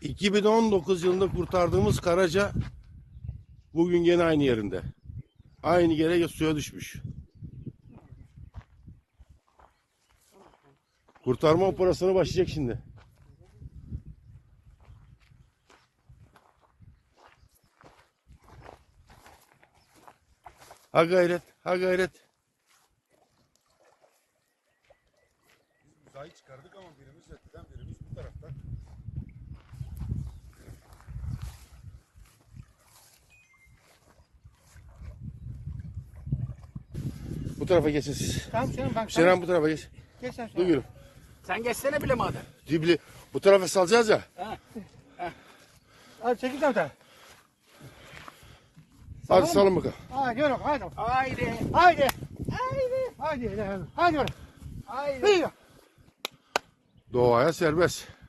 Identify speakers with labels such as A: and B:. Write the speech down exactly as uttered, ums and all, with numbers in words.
A: iki bin on dokuz yılında kurtardığımız Karaca bugün gene aynı yerinde. Aynı yere suya düşmüş. Kurtarma operasyonu başlayacak şimdi. Ha gayret, ha gayret.
B: Biz uzayı çıkardık ama birimiz öteden birimiz bu tarafta.
A: Bu tarafa geçin siz.
C: Tamam canım bak.
A: Şeran bu tarafa geç.
C: Geç sen
A: Dur
C: şuna.
A: gülüm.
D: Sen geçsene bile madem.
A: Dibli. Bu tarafa salacağız ya.
C: Hadi çekil tamam.
A: Hadi salın bakalım.
C: Hadi yürü hadi.
D: Haydi.
C: Haydi. Haydi. Hadi. Hadi yürü.
D: Haydi.
C: Haydi.
A: Doğaya serbest.